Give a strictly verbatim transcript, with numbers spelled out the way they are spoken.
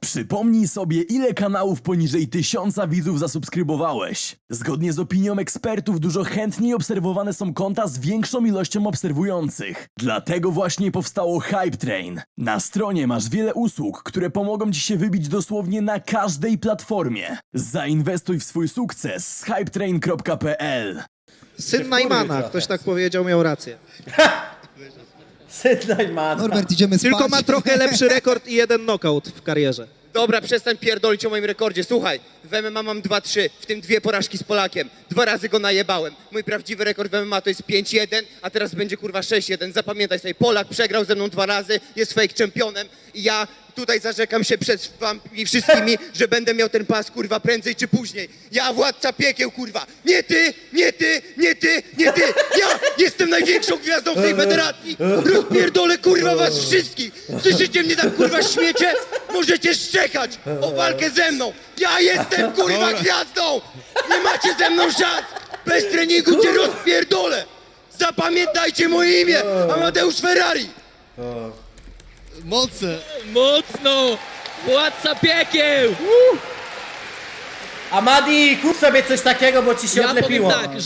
Przypomnij sobie, ile kanałów poniżej tysiąca widzów zasubskrybowałeś. Zgodnie z opinią ekspertów dużo chętniej obserwowane są konta z większą ilością obserwujących. Dlatego właśnie powstało Hype Train. Na stronie masz wiele usług, które pomogą ci się wybić dosłownie na każdej platformie. Zainwestuj w swój sukces z hypetrain kropka p l. Syn Najmana, ktoś tak powiedział, miał rację. Syn Najmana. Norbert, idziemy spać. Tylko ma trochę lepszy rekord i jeden knockout w karierze. Dobra, przestań pierdolić o moim rekordzie. Słuchaj, w M M A mam dwa trzy, w tym dwie porażki z Polakiem. Dwa razy go najebałem. Mój prawdziwy rekord w M M A to jest pięć jeden, a teraz będzie kurwa sześć jeden. Zapamiętaj sobie, Polak przegrał ze mną dwa razy, jest fake championem i ja tutaj zarzekam się przed wami wszystkimi, że będę miał ten pas kurwa prędzej czy później. Ja władca piekieł kurwa. Nie ty, nie ty, nie ty, nie ty. Ja jestem największą gwiazdą w tej federacji. Rozpierdolę kurwa was wszystkich. Słyszycie mnie tak kurwa śmiecie? Możecie szczekać o walkę ze mną. Ja jestem kurwa gwiazdą. Nie macie ze mną szans. Bez treningu cię rozpierdolę. Zapamiętajcie moje imię. Amadeusz Ferrari. Mocne. Mocno! Władca piekieł! Amadi, kup sobie coś takiego, bo ci się Ja odlepiło. powiem tak,